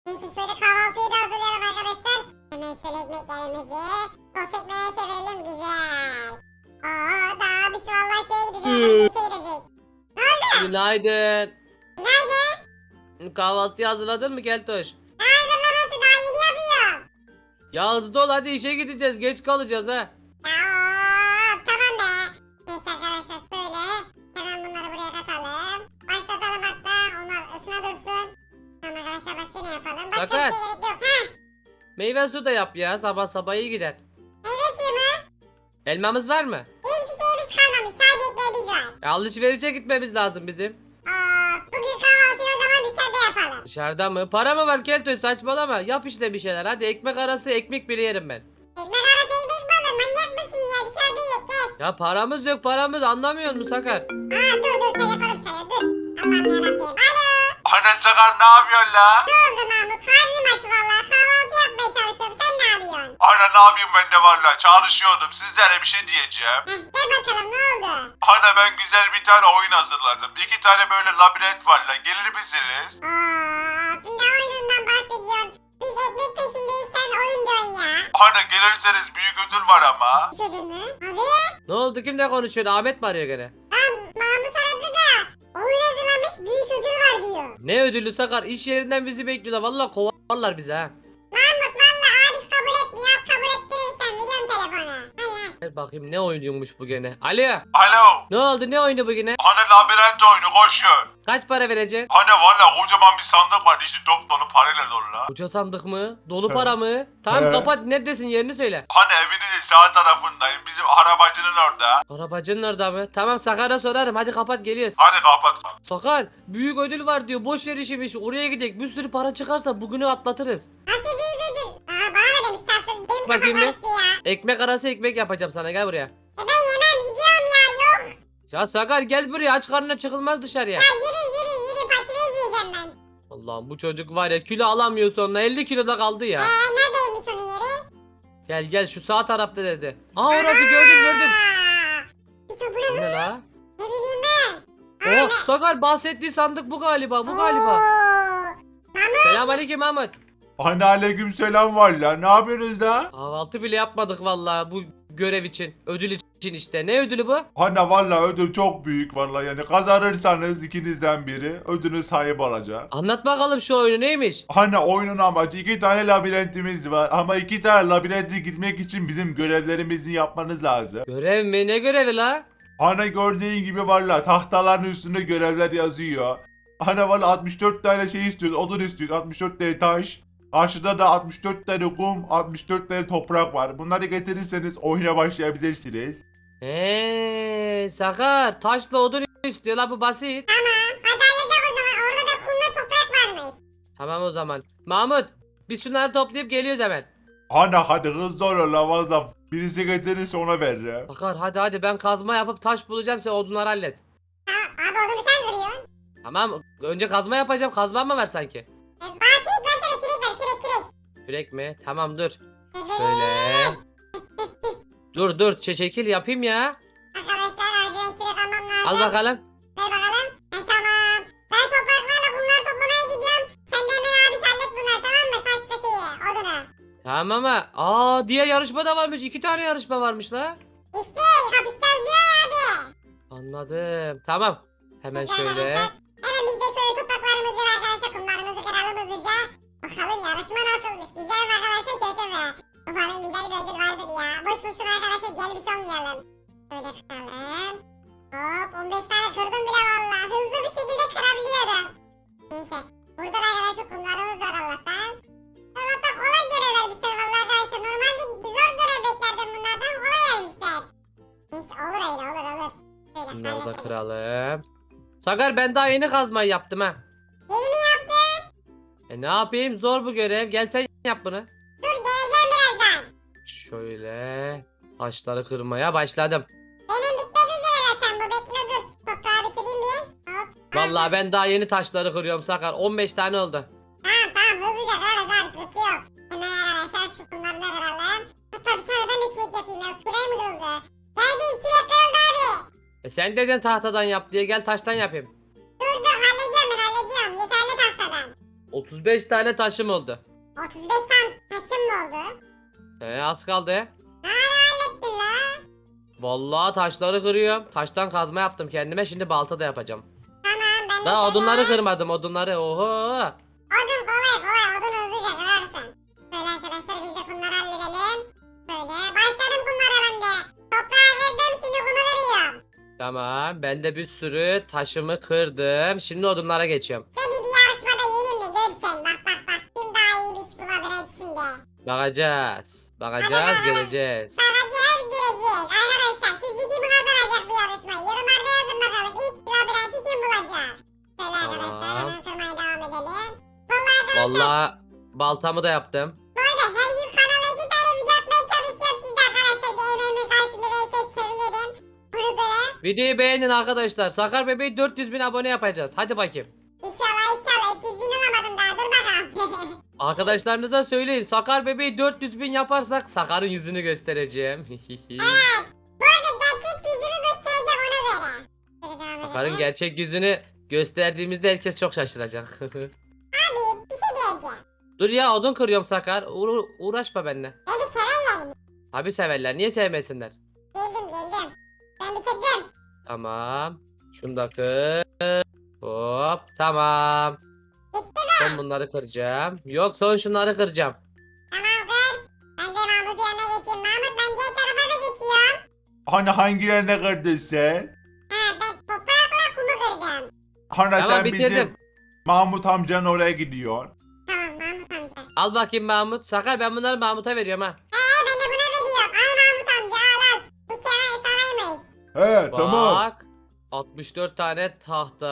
Neyse şöyle kahvaltıyı da hazırlayalım arkadaşlar. Hemen şöyle ekmeklerimizi tost ekmeğe çevirelim güzel. Daha bir şu vallahi şeye gidecek. Şey gidecek. Günaydın. Günaydın. Kahvaltıyı hazırladın mı Keltoş? Ne hazırlaması daha yeni yapıyorum. Ya hızlı ol hadi işe gideceğiz. Geç kalacağız ha. Tamam be. Neyse arkadaşlar şöyle. Hemen bunları buraya katalım. Başlatalım hatta. Onlar ısına dursun. Tamam arkadaşlar başka ne yapalım? Başka Sakar. bir şey gerek yok. Ha? Meyve su da yap ya. Sabah sabah iyi gider. Meyve suyu mu? Elmamız var mı? Hiçbir şeyimiz kalmamış. Sadece ekmeğimiz var. Alışverişe gitmemiz lazım bizim. Bugün kahvaltıyı o zaman dışarıda yapalım. Dışarıda mı? Para mı var Keltoş? Saçmalama. Yap işte bir şeyler. Hadi ekmek arası ekmek bile yerim ben. Ekmek arası ekmek mi olur? Manyak mısın ya? Dışarıda yiyek gel. Ya paramız yok paramız. Anlamıyor musun Sakar? Dur telefonum çalıyor dur. Allah'ım yarabbim. Alo. Ana Sakar ne yapıyorsun la? Ne oldu Mahmut? Karnım aç valla. Kahvaltı yapmaya çalışıyorum. Sen ne yapıyorsun? Ana ne yapayım ben de valla çalışıyordum sizlere bir şey diyeceğim. Gel bakalım ne oldu? Ana ben güzel bir tane oyun hazırladım. 2 tane böyle labirent var la gelir misiniz? Ne oyunundan bahsediyorsun? Biz ekmek peşindeyiz sen oyun diyorsun ya. Ana gelirseniz büyük ödül var ama. Gördün mü? Abi. Ne oldu? Kimle konuşuyorsun? Ahmet mi arıyor gene? Mahmut aradı da. Oyun hazırlamış büyük ödül var diyor. Ne ödülü Sakar? İş yerinden bizi bekliyorlar. Vallahi kovarlar bizi ha. Mahmut valla abi kabul etmiyor. Kabul ettirirsen veriyorum telefonu. Allah. Ver bakayım ne oynuyormuş bu gene. Alo. Alo. Ne oldu? Ne oyunu bu gene? Ana labirent oyunu koşuyor. Kaç para vereceksin? Ana valla kocaman bir sandık var içi dop dolu parayla dolu la. Uça sandık mı? Dolu para mı? Tamam He. kapat. Neredesin? Yerini söyle. Ana evinizin sağ tarafındayım bizim arabacının orada. Arabacının orada mı? Tamam Sakar'a sorarım. Hadi kapat geliyoruz. Hadi kapat. Sakar büyük ödül var diyor. Boş ver işmiş. Oraya gidelim. Bir sürü para çıkarsa bugünü atlatırız. Nasıl büyük ödül? Bana da demiş tatlım. Benim Bakayım kafam bir. karıştı ya. Ekmek arası ekmek yapacağım sana. Gel buraya. Ben yemem gidiyorum ya yok. Ya Sakar gel buraya. Aç karnına çıkılmaz dışarıya. Yürü patates yiyeceğim ben. Allah'ım bu çocuk var ya kilo alamıyor sonra. 50 kiloda kaldı ya. Neredeymiş onun yeri? Gel gel şu sağ tarafta dedi. Aa orası gördüm. Hiç o bu Bu ne? ne la? Ne bileyim ben. Oh Sakar bahsettiği sandık bu galiba. Bu galiba. Selamünaleyküm Mahmut. Ana aleyküm selam var la ne yapıyorsunuz la? Kahvaltı bile yapmadık vallahi bu görev için. Ödül için işte. Ne ödülü bu? Ana valla ödül çok büyük valla yani kazanırsanız ikinizden biri ödülün sahibi olacak. Anlat bakalım şu oyunu neymiş? Ana oyunun amacı 2 tane labirentimiz var ama 2 tane labirente gitmek için bizim görevlerimizi yapmanız lazım. Görev mi? Ne görevi la? Ana gördüğün gibi valla tahtaların üstünde görevler yazıyor. Ana valla 64 tane şey istiyoruz odun istiyoruz 64 tane taş. Karşıda da 64 tane kum 64 tane toprak var. Bunları getirirseniz oyuna başlayabilirsiniz. Sakar taşla odun istiyor la bu basit. Hadi halledelim o zaman. Orada da kumla toprak varmış. Tamam o zaman. Mahmut biz şunları toplayıp geliyoruz hemen. Ana hadi hızlı olun la valla. Birisi getirirse ona veririm. Sakar hadi ben kazma yapıp taş bulacağım sen odunları hallet. Abi odunu sen kırıyorsun. Tamam önce kazma yapacağım kazma mı var sanki? Bana kürek versene kürek ver kürek. Kürek mi? Tamam dur. Şöyle. Dur çekil yapayım ya. Arkadaşlar acilen kürek almam lazım. Al bakalım. Ver bakalım. Tamam. Ben topraklarla bunları toplamaya gidiyorum. Sen de hemen abi hallet bunları tamam mı? Taşla şeyi odunu. Tamam ama diğer yarışma da varmış. 2 tane yarışma varmış la. İşte kapışacağız diyor ya abi. Anladım. Tamam. Hemen Peki şöyle. arkadaşlar, hemen biz de şöyle topraklarımızı ve arkadaşlar kumlarımızı kıralım hızlıca. Bakalım yarışma nasılmış? Güzel mi arkadaşlar kötü mü? Umarım güzel bir ödül vardır ya. Boş boşuna arkadaşlar gelmiş olmayalım. Böyle kıralım. Hop 15 tane kırdım bile valla. Hızlı bir şekilde kırabiliyorum. Neyse. Burada da arkadaşlar kumlarımız var Allah'tan. Allah'tan kolay görev vermişler valla arkadaşlar. Normalde zor görev beklerdim bunlardan. Kolay vermişler. Neyse olur öyle olur. Böyle Bunları da halledelim. kıralım. Sakar ben daha yeni kazmayı yaptım ha. Yeni mi yaptın? Ne yapayım? Zor bu görev. Gel sen yap bunu. Dur geleceğim birazdan. Şöyle taşları kırmaya başladım. Benim bitmek üzere zaten bu bekle dur. Toprağı bitireyim bir. Hop. Vallahi ben daha yeni taşları kırıyorum Sakar. 15 tane oldu. Tamam hızlıca kırarız abi sıkıntı yok. Hemen arkadaşlar şu kumları da kıralım. Hatta bir tane ben de kürek yapayım ya. Küreği mi kırıldı? Nerede kürek kırıldı abi? Sen dedin tahtadan yap diye gel taştan yapayım. Dur halledeceğim ben halledeceğim. Yeterli tahtadan. 35 tane taşım oldu. 35 tane taşım mı oldu? Az kaldı. Hallettin la. Vallahi taşları kırıyorum. Taştan kazma yaptım kendime. Şimdi balta da yapacağım. Tamam ben de Daha sana- odunları kırmadım odunları. Oho. Odun kolay odun hızlıca kırarsın. Böyle arkadaşlar biz de kumları halledelim. Böyle başladım kumlara ben de. Toprağı kırdım şimdi kumu kırıyorum. Tamam. Ben de bir sürü taşımı kırdım. Şimdi odunlara geçiyorum. Seni bir yarışmada yeneyim de görsen. Bak kim daha iyi bir iş bulabilir şimdi. Bakacağız. Bakacağız, göreceğiz. Bakacağız göreceğiz. Arkadaşlar sizce kim kazanacak bu yarışmayı? Yorumlarda yazın bakalım. İlk labirenti kim bulacak? Böyle arkadaşlar Tamam. hemen kırmaya devam edelim. Vallahi arkadaşlar Vallahi baltamı da yaptım. bu arada her gün kanala 2 tane video atmaya çalışıyorum sizde arkadaşlar. Bir emeğimin karşılığında verirseniz sevinirim. Bunu böyle. Videoyu beğenin arkadaşlar. Sakar Bebeği 400 bin abone yapacağız. Hadi bakayım. İnşallah 300 bin olamadım daha dur bakalım. Arkadaşlarınıza söyleyin. Sakar Bebeği 400 bin yaparsak Sakar'ın yüzünü göstereceğim. Evet. Bu arada gerçek yüzümü göstereceğim ona göre. Şöyle devam Sakar'ın edelim. gerçek yüzünü gösterdiğimizde herkes çok şaşıracak. Abi bir şey diyeceğim. Dur ya odun kırıyorum Sakar. Uğraşma benimle. Beni severler mi? Tabi severler. Niye sevmesinler? Geldim. Ben bitirdim. Tamam. Şunu da kır. Hop. Tamam. Bitti Son bunları kıracağım. Yok son şunları kıracağım. Tamam kır. Ben de Mahmut'un yanına geçeyim. Mahmut ben diğer tarafa da geçiyorum. Hani hangilerine kırdın sen? Ha ben toprakla kumu kırdım. Hani Tamam, sen bitirdim. bizim Mahmut amcanın oraya gidiyor. Tamam Mahmut amca. Al bakayım Mahmut. Sakar ben bunları Mahmut'a veriyorum ha. Ben de buna veriyorum. Al Mahmut amca al. Bu sanaymış. He tamam. Bak. 64 tane tahta,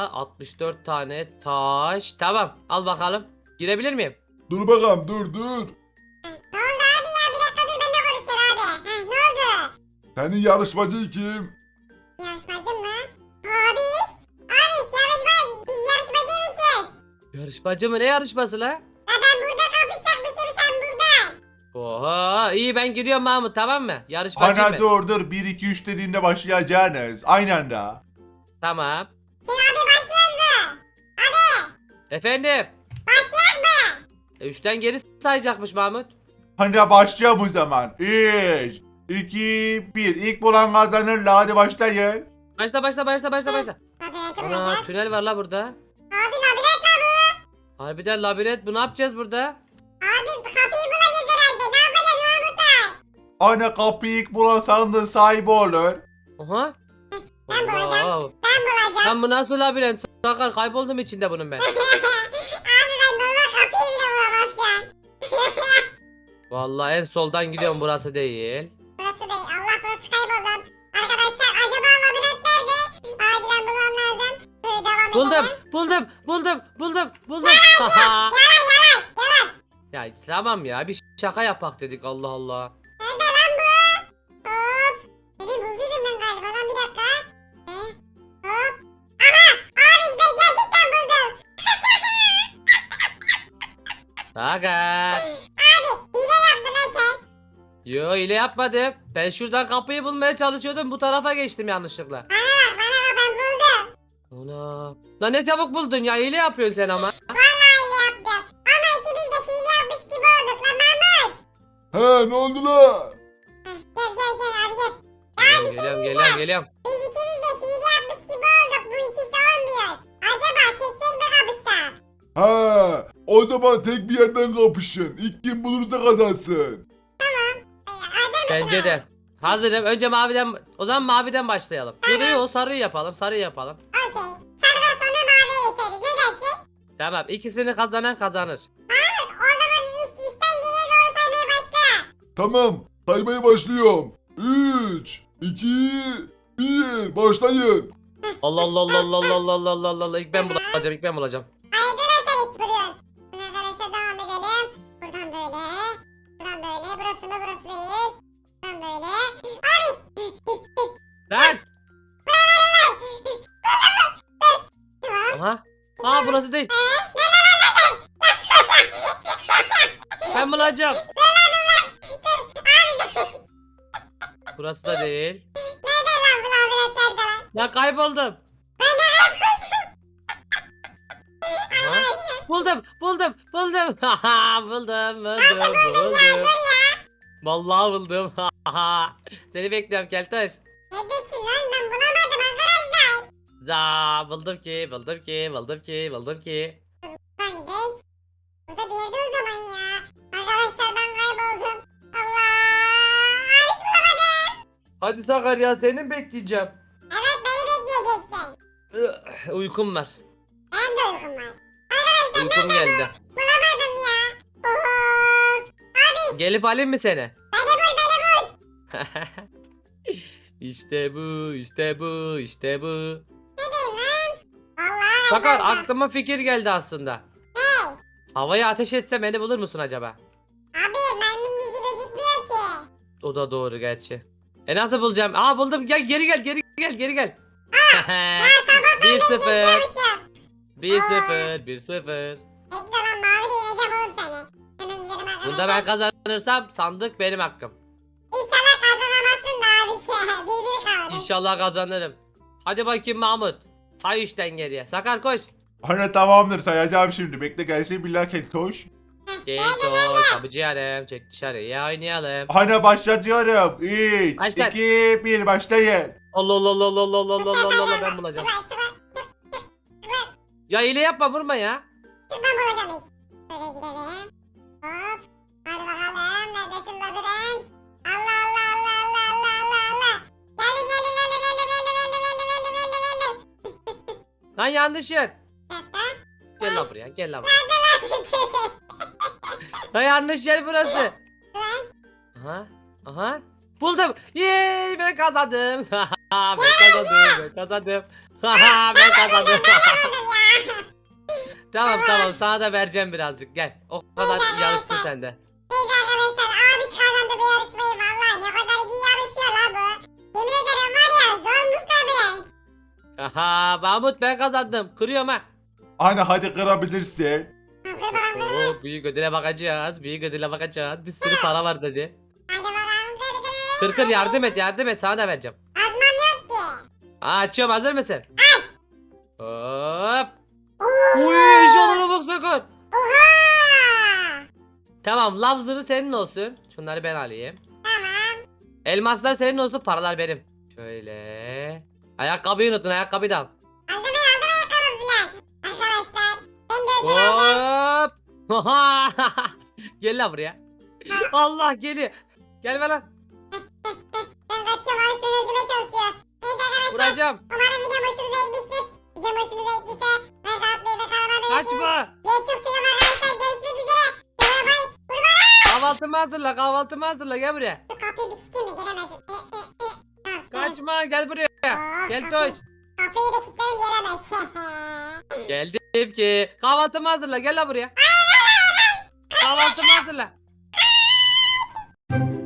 64 tane taş. Tamam, al bakalım. Girebilir miyim? Dur bakalım dur. Ne oldu abi ya? Bir dakika dur benimle konuşuyor abi. Ne oldu? Senin yarışmacı kim? Yarışmacı mı? Abiş. Abiş yarışma. Biz yarışmacıymışız. Yarışmacı mı? Ne yarışması la? Ya ben burada kapışacakmışım sen burada. Oha, iyi ben gidiyorum Mahmut tamam mı? Yarışmacı Hani mı? dur 1 2 3 dediğinde başlayacaksınız. Aynı anda. Tamam. Şimdi abi başlıyoruz mu? Abi Efendim? başlayalım mı? 3'ten geri sayacakmış Mahmut. Hani başlayalım o zaman. 3 2 1 İlk bulan kazanır. La hadi başlayın. Başla. Labirenti Ana bulacağız. tünel var la burada. Abi labirent la bu. Harbiden labirent bu ne yapacağız burada? Abi kapıyı bulacağız herhalde. Ne yapacağız Mahmutlar? Hani kapıyı ilk bulan sandığın sahibi olur. Oha. Ben bulacağım. Allah. Ben bulacağım. Lan bu nasıl labirent? Sakar kayboldum içinde bunun ben. Abi ben normal kapıyı bile bulamam şu an. Vallahi en soldan gidiyorum burası değil. Burası değil. Allah burası kayboldum. Arkadaşlar acaba labirent nerede? Acilen bulmam lazım. Böyle devam edelim. Buldum. Haha. Yalan. Ya tamam ya bir şaka yapak dedik Allah Allah. Nerede lan bu? Hop. Demin bulduydum ben galiba lan bir dakika. Hop. Aha. Abi ben gerçekten buldum. Sakar. Abi hile yaptın lan sen. Yo ile yapmadım. Ben şuradan kapıyı bulmaya çalışıyordum bu tarafa geçtim yanlışlıkla. Bana bak ben buldum. Ana. Lan ne çabuk buldun ya hile yapıyorsun sen ama. Vallahi hile yaptım. Ama ikimiz de hile yapmış gibi olduk lan Mahmut. He ne oldu la? Gel abi gel. Ya bir şey diyeceğim. Geliyorum. Biz ikimiz de hile yapmış gibi olduk. Bu ikisi olmuyor. Acaba tek tek mi kapışsak? Ha, o zaman tek bir yerden kapışın. İlk kim bulursa kazansın. Hazır mısın? Bence de. Hazırım. Önce maviden o zaman maviden başlayalım. Yo sarıyı yapalım. Sarıyı yapalım. Okey. Sarıdan sonra maviye geçeriz. Ne dersin? Tamam ikisini kazanan kazanır. O zaman üçten geriye doğru saymaya başla. Tamam, saymaya başlıyorum. 3, 2, 1, başlayın. Allah. İlk ben bulacağım. Haydi lan sen hiç buluyorsun. Şimdi arkadaşlar devam edelim. Buradan böyle. Buradan böyle. Burası mı burası değil. Buradan böyle. Abi. Lan! Tamam. Aha. Burası değil. Ben bulacağım. Burası da değil. Nerede lan bu labirent nerede lan? Ya kayboldum. Aha. Arkadaşlar. Buldum. Haha, buldum. Vallahi buldum. Haha. Seni bekliyorum Keltoş. Neredesin lan? Ben bulamadım arkadaşlar. Za buldum ki. Buradan gidelim. Burada bir yerde o zaman ya. Arkadaşlar ben kayboldum. Allah. Hiç bulamadım. Hadi Sakar ya seni bekleyeceğim. Evet beni bekleyeceksin. Uykum var. Ben de uykum var. Arkadaşlar Uykum geldi. bulamadım ya. Of. Abi Gelip alayım mı seni? beni bul. İşte bu. Neredeyim lan? Vallahi Sakar kayboldum. aklıma fikir geldi aslında. Hey. Havaya ateş etse beni bulur musun acaba? Abi merminin izi gözükmüyor ki. O da doğru gerçi. Nasıl bulacağım? Aa buldum. Gel geri gel. 1-0. Geçiyormuşum. 1-0. Bekle lan mavi de yeneceğim oğlum seni. Hemen gidelim arkadaşlar. Bunda ben kazanırsam sandık benim hakkım. İnşallah kazanamazsın da abi. Bir kalır. İnşallah kazanırım. Hadi bakayım Mahmut. Say 3'ten geriye. Sakar koş. Ana tamamdır sayacağım şimdi. Bekle gelsin billah keltoş. Geltoş. Kapıcı yarım. Çek dışarıya oynayalım. Ana başlatıyorum. 3, Başlat. 2, 1 başlayın. Allah ben bulacağım. Çıkar. Ya hile yapma vurma ya. Ben bulacağım ilk. Şöyle gidelim. Hop. Hadi bakalım. Neredesin labirent? Allah. Geldim. Lan yanlış yer. Bir dakika. Gel lan buraya. Lan yanlış yer burası. Aha. Buldum. Yeee ben kazandım. ben kazandım. Ben kazandım. Tamam sana da vereceğim birazcık gel. O kadar yarıştın sen de. Neyse arkadaşlar abis kazandı bu yarışmayı valla ne kadar iyi yarışıyor la bu. Yemin ederim var ya zormuş labirent. Aha Mahmut ben kazandım. Kırıyorum ha. Ana hadi kırabilirsin. Kır bakalım. Oo, büyük ödüle bakacağız. Bir sürü para var dedi. Hadi bakalım. Kır yardım et sana da vereceğim. Azmam yok ki. Açıyorum hazır mısın? Hop. Uy eşyalara bak Sakar. Oha. Tamam lav zırhı senin olsun. Şunları ben alayım. Tamam. Elmaslar senin olsun paralar benim. Şöyle. Ayakkabıyı unuttun ayakkabıyı da al. Aldım ayakkabı filan. Arkadaşlar ben de ödül aldım. Hop. Gel lan buraya. Allah geliyor. Gelme lan. Ben kaçıyorum abis beni öldürmeye çalışıyor. Neyse arkadaşlar Vuracağım. umarım video hoşunuza gitmiştir. Video hoşunuza gittiyse like atmayı ve kanalıma abone olmayı. Kaçma. Sizi çok seviyorum arkadaşlar. Görüşmek üzere. Bay bay. Vurma. Kahvaltımı hazırla gel buraya. Şu kapıyı bir kilitleyeyim mi? Gelemezsin. Tamam. Kaçma gel buraya. Gel Kapıyı- Toç. Kapıyı da kilitledim gelemez. Geldim ki. Kahvaltımı hazırla gel lan buraya. Kahvaltımı hazırla.